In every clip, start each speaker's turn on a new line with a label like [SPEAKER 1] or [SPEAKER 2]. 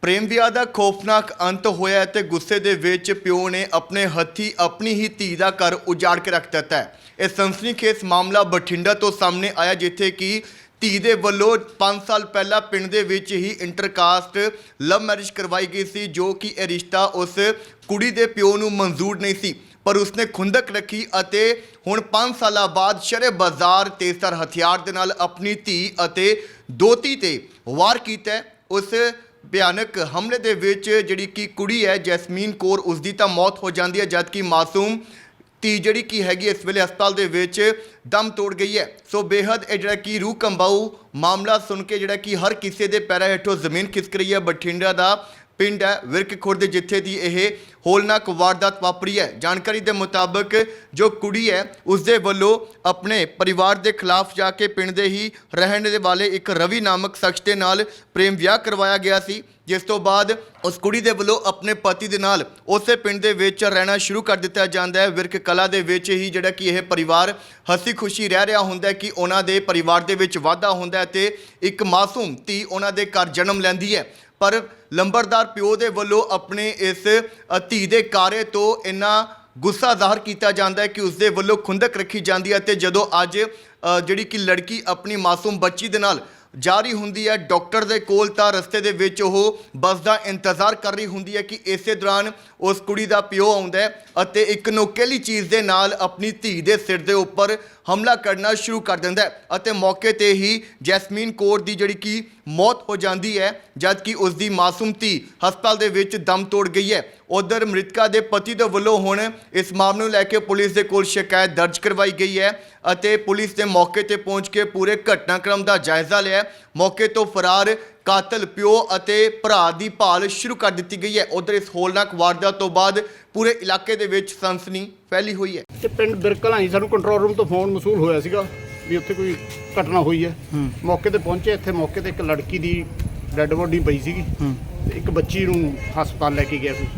[SPEAKER 1] ਪ੍ਰੇਮ ਵਿਆਹ ਦਾ ਖੌਫਨਾਕ ਅੰਤ ਹੋਇਆ ਤੇ ਗੁੱਸੇ ਦੇ ਵਿੱਚ ਪਿਓ ਨੇ ਆਪਣੇ ਹੱਥੀ ਆਪਣੀ ਹੀ ਧੀ ਦਾ ਘਰ ਉਜਾੜ ਕੇ ਰੱਖ ਦਿੱਤਾ ਹੈ। ਇਹ ਸਨਸਨੀਖੇਜ਼ ਮਾਮਲਾ ਬਠਿੰਡਾ ਤੋਂ ਸਾਹਮਣੇ ਆਇਆ, ਜਿੱਥੇ ਕਿ ਧੀ ਦੇ ਵੱਲੋਂ 5 ਸਾਲ ਪਹਿਲਾਂ ਪਿੰਡ ਦੇ ਵਿੱਚ ਹੀ ਇੰਟਰਕਾਸਟ ਲਵ ਮੈਰਿਜ ਕਰਵਾਈ ਗਈ ਸੀ, ਜੋ ਕਿ ਇਹ ਰਿਸ਼ਤਾ ਉਸ ਕੁੜੀ ਦੇ ਪਿਓ ਨੂੰ ਮਨਜ਼ੂਰ ਨਹੀਂ ਸੀ, ਪਰ ਉਸਨੇ ਖੁੰਦਕ ਰੱਖੀ ਅਤੇ ਹੁਣ 5 ਸਾਲਾਂ ਬਾਅਦ ਸ਼ਰੇ ਬਾਜ਼ਾਰ ਤੇਜ਼ਧਾਰ ਹਥਿਆਰ ਦੇ ਨਾਲ ਆਪਣੀ ਧੀ ਅਤੇ ਦੋਤੀ ਤੇ ਵਾਰ ਕੀਤਾ ਹੈ। ਉਸ ਭਿਆਨਕ ਹਮਲੇ ਦੇ ਵਿੱਚ ਜਿਹੜੀ ਕਿ ਕੁੜੀ ਹੈ ਜੈਸਮੀਨ ਕੌਰ, ਉਸ ਦੀ ਤਾਂ ਮੌਤ ਹੋ ਜਾਂਦੀ ਹੈ, ਜਦਕਿ ਮਾਸੂਮ ਧੀ ਜਿਹੜੀ ਕਿ ਹੈਗੀ ਇਸ ਵੇਲੇ ਹਸਪਤਾਲ ਦੇ ਵਿੱਚ ਦਮ ਤੋੜ ਗਈ ਹੈ। ਸੋ ਬੇਹੱਦ ਇਹ ਜਿਹੜਾ ਕਿ ਰੂਹ ਕੰਬਾਊ ਮਾਮਲਾ ਸੁਣ ਕੇ ਜਿਹੜਾ ਕਿ ਹਰ ਕਿਸੇ ਦੇ ਪੈਰਾਂ ਹੇਠੋਂ ਜ਼ਮੀਨ ਖਿਸਕ ਰਹੀ ਹੈ। ਬਠਿੰਡਾ ਦਾ ਪਿੰਡ ਹੈ ਵਿਰਕ ਖੁਰਦ, ਜਿੱਥੇ ਦੀ ਇਹ ਹੋਲਨਾਕ ਵਾਰਦਾਤ ਵਾਪਰੀ ਹੈ। ਜਾਣਕਾਰੀ ਦੇ ਮੁਤਾਬਕ ਜੋ ਕੁੜੀ ਹੈ ਉਸ ਦੇ ਵੱਲੋਂ ਆਪਣੇ ਪਰਿਵਾਰ ਦੇ ਖਿਲਾਫ ਜਾ ਕੇ ਪਿੰਡ ਦੇ ਹੀ ਰਹਿਣ ਦੇ ਵਾਲੇ ਇੱਕ ਰਵੀ ਨਾਮਕ ਸ਼ਖਸ ਦੇ ਨਾਲ ਪ੍ਰੇਮ ਵਿਆਹ ਕਰਵਾਇਆ ਗਿਆ ਸੀ, ਜਿਸ ਤੋਂ ਬਾਅਦ ਉਸ ਕੁੜੀ ਦੇ ਵੱਲੋਂ ਆਪਣੇ ਪਤੀ ਦੇ ਨਾਲ ਉਸੇ ਪਿੰਡ ਦੇ ਵਿੱਚ ਰਹਿਣਾ ਸ਼ੁਰੂ ਕਰ ਦਿੱਤਾ ਜਾਂਦਾ ਹੈ। ਵਿਰਕ ਕਲਾ ਦੇ ਵਿੱਚ ਹੀ ਜਿਹੜਾ ਕਿ ਇਹ ਪਰਿਵਾਰ ਹੱਸੀ ਖੁਸ਼ੀ ਰਹਿ ਰਿਹਾ ਹੁੰਦਾ ਹੈ ਕਿ ਉਹਨਾਂ ਦੇ ਪਰਿਵਾਰ ਦੇ ਵਿੱਚ ਵਾਧਾ ਹੁੰਦਾ ਹੈ ਤੇ ਇੱਕ ਮਾਸੂਮ ਧੀ ਉਹਨਾਂ ਦੇ ਘਰ ਜਨਮ ਲੈਂਦੀ ਹੈ। ਪਰ ਲੰਬੜਦਾਰ ਪਿਓ ਦੇ ਵੱਲੋਂ ਆਪਣੇ ਇਸ ਧੀ ਦੇ ਕਾਰੇ ਤੋਂ ਇੰਨਾ ਗੁੱਸਾ ਜ਼ਾਹਰ ਕੀਤਾ ਜਾਂਦਾ ਹੈ ਕਿ ਉਸ ਦੇ ਵੱਲੋਂ ਖੁੰਦਕ ਰੱਖੀ ਜਾਂਦੀ ਹੈ। ਤੇ ਜਦੋਂ ਅੱਜ ਜਿਹੜੀ ਕਿ ਲੜਕੀ ਆਪਣੀ ਮਾਸੂਮ ਬੱਚੀ ਦੇ ਨਾਲ ਜਾ ਰਹੀ ਹੁੰਦੀ ਹੈ ਡਾਕਟਰ ਦੇ ਕੋਲ, ਤਾਂ ਰਸਤੇ ਦੇ ਵਿੱਚ ਉਹ ਬੱਸ ਦਾ ਇੰਤਜ਼ਾਰ ਕਰ ਰਹੀ ਹੁੰਦੀ ਹੈ ਕਿ ਇਸੇ ਦੌਰਾਨ ਉਸ ਕੁੜੀ ਦਾ ਪਿਓ ਆਉਂਦਾ ਹੈ ਅਤੇ ਇੱਕ ਨੋਕੀਲੀ ਚੀਜ਼ ਦੇ ਨਾਲ ਆਪਣੀ ਧੀ ਦੇ ਸਿਰ ਦੇ ਉੱਪਰ ਹਮਲਾ ਕਰਨਾ ਸ਼ੁਰੂ ਕਰ ਦਿੰਦਾ ਹੈ ਅਤੇ ਮੌਕੇ ਤੇ ਹੀ ਜੈਸਮੀਨ ਕੌਰ ਦੀ ਜਿਹੜੀ ਕਿ ਮੌਤ ਹੋ ਜਾਂਦੀ ਹੈ, ਜਦਕਿ ਉਸ ਦੀ ਮਾਸੂਮ ਧੀ ਹਸਪਤਾਲ ਦੇ ਵਿੱਚ ਦਮ ਤੋੜ ਗਈ ਹੈ। ਉਧਰ ਮ੍ਰਿਤਕਾ ਦੇ ਪਤੀ ਦੇ ਵੱਲੋਂ ਹੁਣ ਇਸ ਮਾਮਲੇ ਨੂੰ ਲੈ ਕੇ ਪੁਲਿਸ ਦੇ ਕੋਲ ਸ਼ਿਕਾਇਤ ਦਰਜ ਕਰਵਾਈ ਗਈ ਹੈ ਅਤੇ ਪੁਲਿਸ ਨੇ ਮੌਕੇ ਤੇ ਪਹੁੰਚ ਕੇ ਪੂਰੇ ਘਟਨਾਕ੍ਰਮ ਦਾ ਜਾਇਜ਼ਾ ਲਿਆ। ਮੌਕੇ ਤੋਂ ਫਰਾਰ ਕਾਤਲ ਪਿਓ ਅਤੇ ਭਰਾ ਦੀ ਭਾਲ ਸ਼ੁਰੂ ਕਰ ਦਿੱਤੀ ਗਈ ਹੈ। ਉਧਰ ਇਸ ਹੋਲਨਾਕ ਵਾਰਦਾਤ ਤੋਂ ਬਾਅਦ ਪੂਰੇ ਇਲਾਕੇ ਦੇ ਵਿੱਚ ਸਨਸਨੀ ਫੈਲੀ ਹੋਈ ਹੈ।
[SPEAKER 2] ਤੇ ਪਿੰਡ ਬਿਰਕਲਾਂ ਹੀ ਸਾਨੂੰ ਕੰਟਰੋਲ ਰੂਮ ਤੋਂ ਫੋਨ ਮਸੂਲ ਹੋਇਆ ਸੀਗਾ ਵੀ ਉੱਥੇ ਕੋਈ ਘਟਨਾ ਹੋਈ ਹੈ। ਮੌਕੇ ਤੇ ਪਹੁੰਚੇ। ਇੱਥੇ ਮੌਕੇ ਤੇ ਇੱਕ ਲੜਕੀ ਦੀ ਡੈੱਡ ਬੋਡੀ ਪਈ ਸੀਗੀ ਤੇ ਇੱਕ ਬੱਚੀ ਨੂੰ ਹਸਪਤਾਲ ਲੈ ਕੇ ਗਿਆ ਸੀ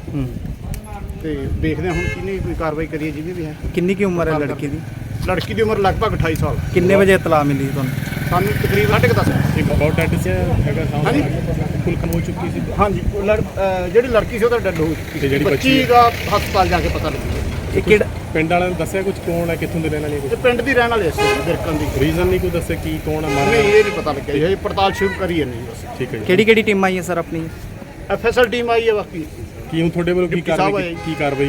[SPEAKER 2] ਤੇ ਦੇਖਦੇ ਹਾਂ ਹੁਣ ਕਿਹਨੇ ਕੋਈ ਕਾਰਵਾਈ ਕਰੀਏ ਜਿਵੇਂ ਵੀ ਹੈ।
[SPEAKER 3] ਕਿੰਨੀ ਕੀ ਉਮਰ ਹੈ ਲੜਕੀ ਦੀ?
[SPEAKER 2] ਲੜਕੀ ਦੀ ਉਮਰ ਲਗਭਗ 28 ਸਾਲ।
[SPEAKER 3] ਕਿੰਨੇ ਵਜੇ ਇਤਲਾਹ ਮਿਲੀ ਤੁਹਾਨੂੰ?
[SPEAKER 2] ਸਾਨੂੰ ਤਕਰੀਬਨ 10:30
[SPEAKER 4] ਇੱਕ ਬਹੁਤ ਡੈਡ ਸੀ ਹੈਗਾ
[SPEAKER 2] ਹਾਂਜੀ
[SPEAKER 4] ਫੁਲਕਮ ਹੋ ਚੁੱਕੀ ਸੀ।
[SPEAKER 2] ਹਾਂਜੀ ਜਿਹੜੀ ਲੜਕੀ ਸੀ ਉਹਦਾ ਡੈੱਡ ਹੋ ਚੁੱਕੀ
[SPEAKER 4] ਤੇ ਜਿਹੜੀ
[SPEAKER 2] ਬੱਚੀ
[SPEAKER 4] ਬੱਚੀ
[SPEAKER 2] ਦਾ ਹਸਪਤਾਲ ਜਾ ਕੇ ਪਤਾ ਲੱਗਿਆ।
[SPEAKER 3] ਇਹ ਕਿਹੜਾ
[SPEAKER 4] ਪਿੰਡ ਵਾਲਿਆਂ ਨੇ ਦੱਸਿਆ ਕੁਝ ਕੌਣ ਹੈ, ਕਿੱਥੋਂ ਦੇ ਰਹਿਣ ਵਾਲੇ?
[SPEAKER 2] ਤੇ ਪਿੰਡ ਦੀ ਰਹਿਣ ਵਾਲੇ ਸੀ ਬਿਰਕਲ ਦੀ।
[SPEAKER 4] ਰੀਜ਼ਨ ਨਹੀਂ ਕੋਈ ਦੱਸਿਆ ਕੀ ਕੌਣ ਹੈ ਮਾਰਨ?
[SPEAKER 2] ਨਹੀਂ ਇਹ ਨਹੀਂ ਪਤਾ ਲੱਗਿਆ ਜੀ, ਪੜਤਾਲ ਸ਼ੁਰੂ ਕਰੀ ਹੈ ਨਹੀਂ ਬਸ।
[SPEAKER 4] ਠੀਕ ਹੈ ਜੀ।
[SPEAKER 3] ਕਿਹੜੀ ਟੀਮ ਆਈ ਹੈ ਸਰ ਆਪਣੀ?
[SPEAKER 2] ਐਫਐਸਐਲ ਟੀਮ ਆਈ ਹੈ। ਬਾਕੀ
[SPEAKER 4] ਕੀ ਹੁਣ ਤੁਹਾਡੇ ਵੱਲੋਂ ਕੀ
[SPEAKER 2] ਡਿਪਟੀ ਸਾਹਿਬ
[SPEAKER 4] ਕਾਰਵਾਈ
[SPEAKER 2] ਆਏ।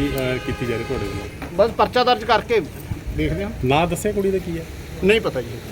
[SPEAKER 4] ਕੀਤੀ ਜਾ ਰਹੀ ਤੁਹਾਡੇ ਵੱਲੋਂ?
[SPEAKER 2] ਬਸ ਪਰਚਾ ਦਰਜ ਕਰਕੇ ਦੇਖਦੇ ਹਾਂ।
[SPEAKER 4] ਨਾਂ ਦੱਸਿਆ ਕੁੜੀ ਦਾ ਕੀ ਹੈ?
[SPEAKER 2] ਨਹੀਂ ਪਤਾ ਜੀ।